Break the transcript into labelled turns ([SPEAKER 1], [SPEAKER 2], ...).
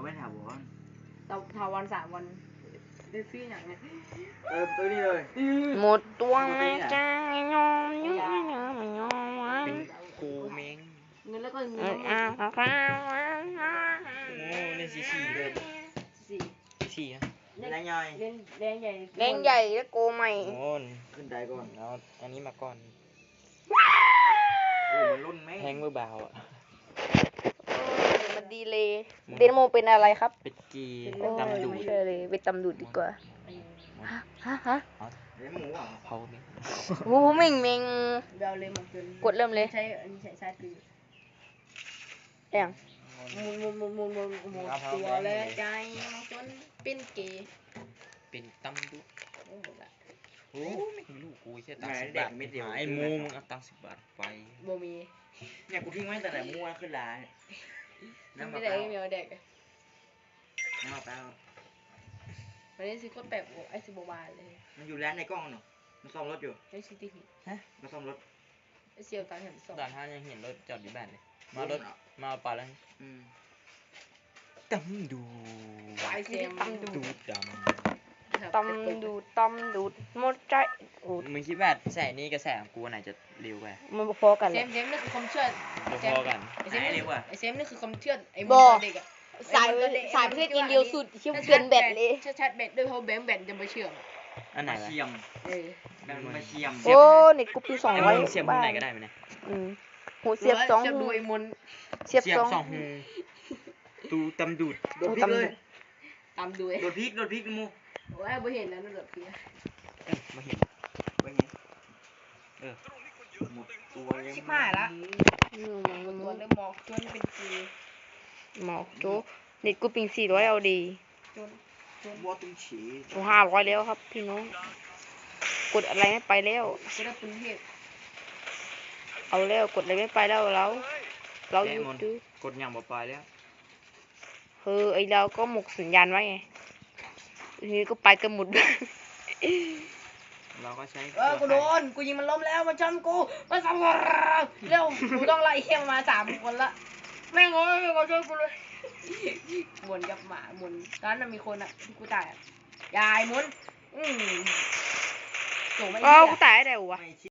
[SPEAKER 1] ไม่ถามวอน
[SPEAKER 2] ถาวร3 วันได้ซื้ออย่างเนี้ย
[SPEAKER 1] ตัวนี้เลย
[SPEAKER 3] หมดตัวไม่จ้ายอมยอมวัน
[SPEAKER 4] กูเม้ง
[SPEAKER 2] เงินแล้วก็เงิ
[SPEAKER 3] เอน อเอาเอาเอา
[SPEAKER 4] โอ้เล่นสี่เลย
[SPEAKER 2] สี่
[SPEAKER 4] สี่อะ
[SPEAKER 1] แรงย่อย
[SPEAKER 2] เล่นแดงใหญ่
[SPEAKER 3] แรงใหญ่แล้วโกใหม่
[SPEAKER 4] โอ้น
[SPEAKER 1] ขึ้นได้ก่อน
[SPEAKER 4] เอาอันนี้มาก่อน
[SPEAKER 1] โอ้มันรุ่นแม่
[SPEAKER 4] แทงมือเบาอ่ะ
[SPEAKER 3] มันดีเลยเดนโมเป็นอะไรครับ
[SPEAKER 4] เป็ดกี
[SPEAKER 3] โอ้
[SPEAKER 4] ตำ
[SPEAKER 3] ย
[SPEAKER 4] ดู
[SPEAKER 3] ไม่ใช่เลยเป็นตำดูดดีกว่าฮะ
[SPEAKER 1] เลี้ยงหมูอ่ะ
[SPEAKER 4] เผาเม้ง
[SPEAKER 3] โอ้โหเม่งเม่ง
[SPEAKER 2] เบลเลยมาเกิน
[SPEAKER 3] กดเริ่มเลย
[SPEAKER 2] ใช้อันนี้ใช้ชาร์จคือ
[SPEAKER 3] เอย่าง
[SPEAKER 2] หมุนตัวเลยใจจนเป็นเกย์
[SPEAKER 4] เป็นตำดู
[SPEAKER 2] โอ้หมดละ
[SPEAKER 4] โอ้ไม่รู้กูแค่ตังค์10 บาทไอ้มูมึงเอาตังค์10 บาทไป
[SPEAKER 2] โบมี
[SPEAKER 1] เนี่ยกูทิ้งไว้แต่ไหนมัวขึ้นร้านน้ำมะ
[SPEAKER 2] ไม่
[SPEAKER 1] พ
[SPEAKER 2] ได้
[SPEAKER 1] ร้าว
[SPEAKER 2] ไม่มีเอาเด็ก
[SPEAKER 1] น้ำมะพร้าว
[SPEAKER 2] วันนี้ซื้อก็แบบไอ้สิบบาทเลย
[SPEAKER 1] มันอยู่ร้านในกล้องเนาะมันซ่อมรถอยู่
[SPEAKER 2] ไอ้ซิตี้หิน
[SPEAKER 1] มันซ่อมรถ
[SPEAKER 2] ไอ้เซียวตังเห็นสอง
[SPEAKER 4] ด่านห้ายังเห็นรถจอดอยู่บ้านเลยมารถมาเอาปลาแล้ว
[SPEAKER 1] อืม
[SPEAKER 4] ตำดู
[SPEAKER 2] ไอ้เซียม
[SPEAKER 3] ตำดู
[SPEAKER 4] ดู
[SPEAKER 3] ด
[SPEAKER 4] ด
[SPEAKER 3] ตำดูดตำดูดหมดใจโอ้
[SPEAKER 4] ำมึงคิดว่าแสงนี้กับแสงของกูอันไหนจะเร็วกว่า
[SPEAKER 3] มันพอกัน
[SPEAKER 2] เซ
[SPEAKER 3] เลย
[SPEAKER 2] มนี่คือความเชื่อ
[SPEAKER 4] พอๆกัน
[SPEAKER 2] ไอ้เซมนี่คือความเชื่อไอ้
[SPEAKER 3] บอ
[SPEAKER 2] เด็กอะ
[SPEAKER 3] สายประเภทอินเดียวสุดเชื่อเกินแบตเลย
[SPEAKER 2] ชัดแบตด้วยเพราะแบตจะมาเชื่อม
[SPEAKER 4] อันไหน
[SPEAKER 1] มาว
[SPEAKER 4] ะ
[SPEAKER 1] เชียม
[SPEAKER 2] เออ
[SPEAKER 1] แบบมาเชียม
[SPEAKER 3] โอ้เน็ตกูปี200
[SPEAKER 4] มึงเสียบมุมไหนก็ได้ไหมเนี่ย
[SPEAKER 3] หูเสียบ2
[SPEAKER 2] เชื่อม
[SPEAKER 3] หู
[SPEAKER 2] ดูไอ้มน
[SPEAKER 3] เสียบ
[SPEAKER 4] สองหูตูตำดูด
[SPEAKER 1] โดดพริกเลย
[SPEAKER 2] ตามดูไอ้
[SPEAKER 1] โดดพริกมู
[SPEAKER 2] โอ้ยบ่เห็นแล้วนั่นแบบเพี้ย
[SPEAKER 4] มาเห็น
[SPEAKER 1] ไปไงหมดตัวยัง
[SPEAKER 2] ชิบหายละ
[SPEAKER 3] อืม
[SPEAKER 2] ตัวเริ่มมองจนเป็นกี
[SPEAKER 3] หมอกโจเน็ตกูปิง400เอาดี
[SPEAKER 2] จน
[SPEAKER 1] บัวตุ้งฉี
[SPEAKER 3] โอ้500แล้วครับพี่น้องกดอะไรไม่ไปแล้ว
[SPEAKER 2] ก็ได้ปุ้นเทพ
[SPEAKER 3] เอาแล้วกดอะไรไม่ไปแล้วเราหยุดดู
[SPEAKER 4] กดอย่างบ่ไปแล้ว
[SPEAKER 3] ไอเราก็หมกสัญญาณไว้ไงทีนี้ก็ไปกันหมด
[SPEAKER 4] เราก็ใช้
[SPEAKER 2] กูโดนกูยิงมันล้มแล้วมันชนกูมันสับเร็วกูต้องไล่เฮียมา3 คนละแม่งโอ้ยมาช่วยกูเลยหมุนกับหมาหมุนตอนนั้นมีคนอ่ะที่กูตายอ่ะยายหมุนโจไม่
[SPEAKER 3] เอ้า
[SPEAKER 2] เหี้
[SPEAKER 3] กู
[SPEAKER 2] ย
[SPEAKER 3] ตายได้วะ
[SPEAKER 1] ไม่